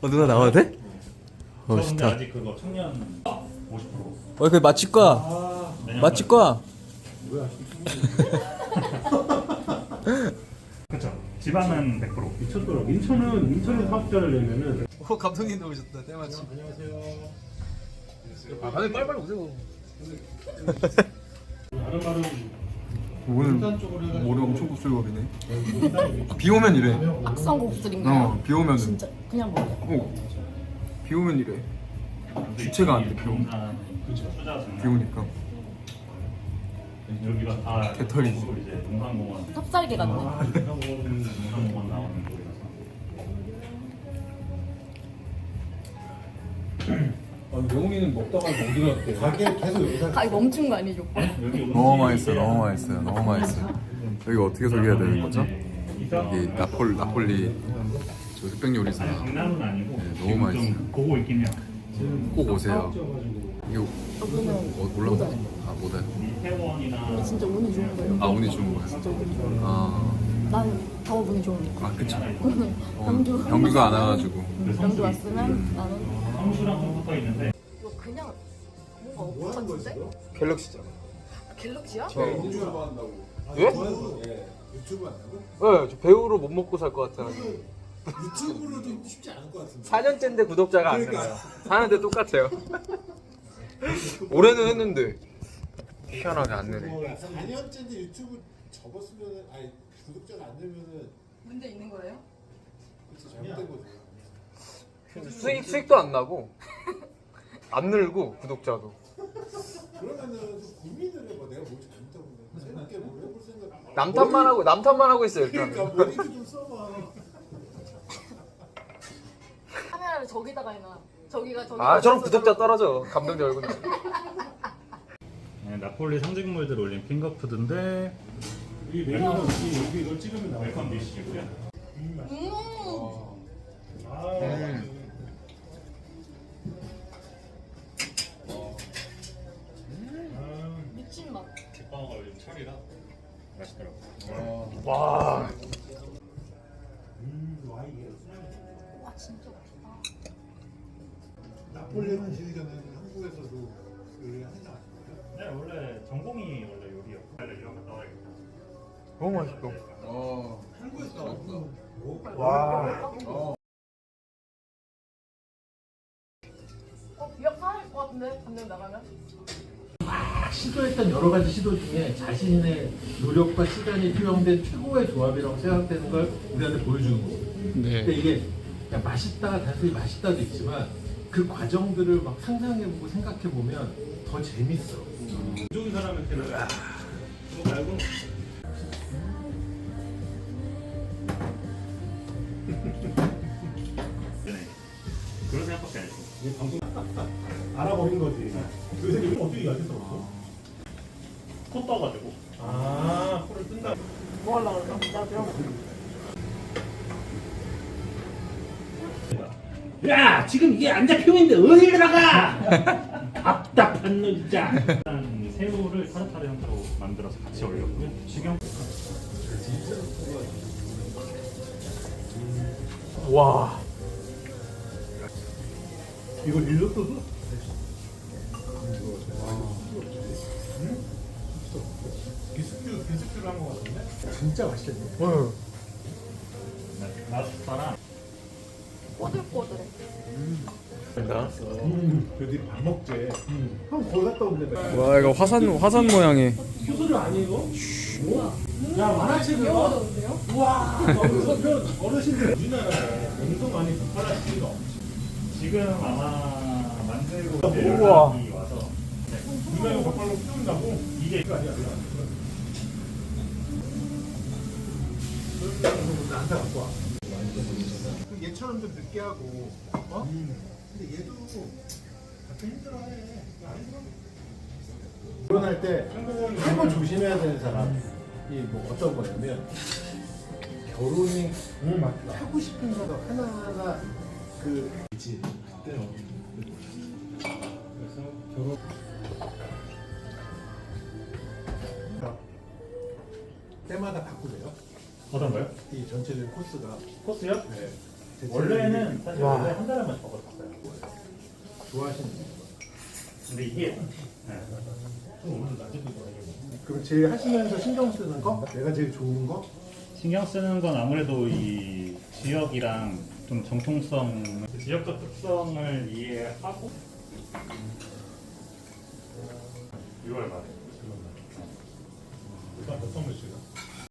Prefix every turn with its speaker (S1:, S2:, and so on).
S1: 누나 나와도 돼?
S2: 저 근데
S1: 좋다.
S2: 아직 그거 청년 50%.
S1: 그 맛집과 맛집과
S2: 그쵸. 지방은 100%.
S3: 미쳤더라. 인천에 사업자를 내면은.
S1: 감독님도 오셨다. 때마침.
S3: 안녕하세요.
S1: 아, 빨리 오세요.
S3: 다른 말은
S1: 오늘 머리 엄청 곱슬거리네. 비 오면 이래.
S4: 악성 곡들인가요?
S1: 비 오면은.
S4: 진짜 그냥 먹어요.
S1: 비 오면 이래. 주체가 안 돼. 비 오니까.
S2: 여기가 다
S1: 개털이지.
S2: 이제 농산공원.
S4: 탑살개 같네.
S2: 농산공원 나오는 쪽이라서.
S3: 명훈이는 먹다가 어디 갔대? 가게 계속 여기서
S4: 가기 멈춘 거 아니죠?
S1: 너무 맛있어요. 여기 어떻게 소개해야 되는 거죠? 여기 나폴리 저 흑백 요리사.
S2: 강남은 아니고
S1: 네, 너무
S2: 지금
S1: 맛있어요.
S2: 좀 보고 있긴 해요.
S1: 꼭 오세요. 이거 올라오지? 못 와요.
S2: 이태원이나
S4: 진짜 운이 좋은 거예요.
S1: 운이 좋은 거예요.
S4: 난 더 운이 좋으니까.
S1: 그쵸.
S4: 경주
S1: 경규가 안 와가지고.
S4: 경주 왔으면 나는
S2: 성수랑 좀 붙어 있는데
S4: 이거 그냥 뭔가 없었는데?
S1: 갤럭시잖아.
S4: 갤럭시야?
S3: 유튜브 한다고.
S1: 예?
S3: 유튜브 한다고?
S1: 네, 저 배우로 못 먹고 살 것 같아.
S3: 유튜브로도 쉽지 않을 것 같은데.
S1: 4년째인데 구독자가 안 늘어요. 사는데 똑같아요. 올해는 했는데 희한하게 안 느네.
S3: 4년째인데 유튜브 접었으면은 아니 구독자가 안 늘면은
S4: 문제 있는 거예요?
S3: 그치 잘못된 거지.
S1: 수익도 안 나고 안 늘고 구독자도.
S3: 그러면은 고민을 해봐. 내가 뭘 잘못하고 있나. 새롭게 뭘 해볼 생각.
S1: 남탓만 하고 있어요 일단.
S3: 그러니까 머리도 좀 써봐.
S4: 카메라를 저기다가 해놔. 저기가
S1: 저런 구독자 떨어져. 감독님 얼굴.
S2: 네, 나폴리 상징물들 올린 핑거푸드인데
S3: 이 메뉴는 여기 이걸 찍으면 나와.
S2: 웰컴 디시고요.
S4: 미친 맛.
S2: 뒷방어가 요즘 철이라 맛있더라고요.
S1: 와.
S4: 와 진짜 맛있다.
S3: 나폴레옹 시기 전에는 한국에서도 요리 하지 않았어요?
S2: 네, 원래 전공이 원래 요리였고 원래 유학 갔다 와야겠다.
S1: 너무 맛있어.
S3: 한국에서 나왔어.
S1: 와.
S4: 기억 상할 것 같은데 감독 나가면?
S5: 시도했던 여러 가지 시도 중에 자신의 노력과 시간이 투영된 최고의 조합이라고 생각되는 걸 우리한테 보여주는 거고.
S1: 네.
S5: 근데 이게 그냥 맛있다, 단순히 맛있다도 있지만 그 과정들을 막 상상해보고 생각해보면 더 재밌어.
S3: 좋은 사람한테는 그거 말고
S2: 네. 그런 생각밖에 안 했어.
S3: 이게 방송 알아버린 거지. 그 새끼 어떻게 이렇게 썼어?
S2: 코 떠가지고.
S3: 아, 코를 뜬다.
S4: 뭐 하려고 그러죠? 나 그럼
S3: 야, 지금 이게 안 잡히는데 어디 들어가? 답답한 놈 진짜.
S2: 일단 새우를 타르타르 형태로 만들어서 같이 올렸고요. 식용.
S1: 와.
S3: 이걸 일렀어도? 비스큐를 한 거 같은데? 진짜 맛있겠네.
S2: 랍스타랑
S4: 꼬들꼬들해.
S3: 그들이 밥 먹재. 형 거기 갔다 온대.
S1: 와 이거 화산 모양의.
S3: 효소를 아니에요? 야 만화책이요? 우와. 어르신들 우리나라에 엄청 많이 북한하시는 거.
S2: 지금 아마 만들고
S1: 우와.
S2: 연락이 와서
S3: 우리나라 벽발로 키운다고?
S2: 이게
S3: 이거 아니야. 나한테 갖고 와. 얘처럼 좀 늦게 하고, 어? 근데 얘도 가끔 힘들어해. 안 힘들어. 결혼할 때 한번 조심해야 되는 사람이 뭐 어떤 거냐면 결혼이 하고 싶은 거가 하나하나 그 있지. 그때는 그래서 결혼 때마다 바꾸래요.
S2: 어떤 거요?
S3: 이 전체적인 코스가.
S2: 코스요?
S3: 네.
S2: 원래는 사실
S3: 와.
S2: 원래 한 달에 한 번씩 먹었었어요.
S5: 좋아하시는 거.
S2: 근데 이게
S3: 그럼 제일 하시면서 신경 쓰는 거? 내가 제일 좋은 거?
S2: 신경 쓰는 건 아무래도 이 지역이랑 좀 정통성, 지역적 특성을 이해하고 6월 말에.
S5: 일단 어떤 거 지금?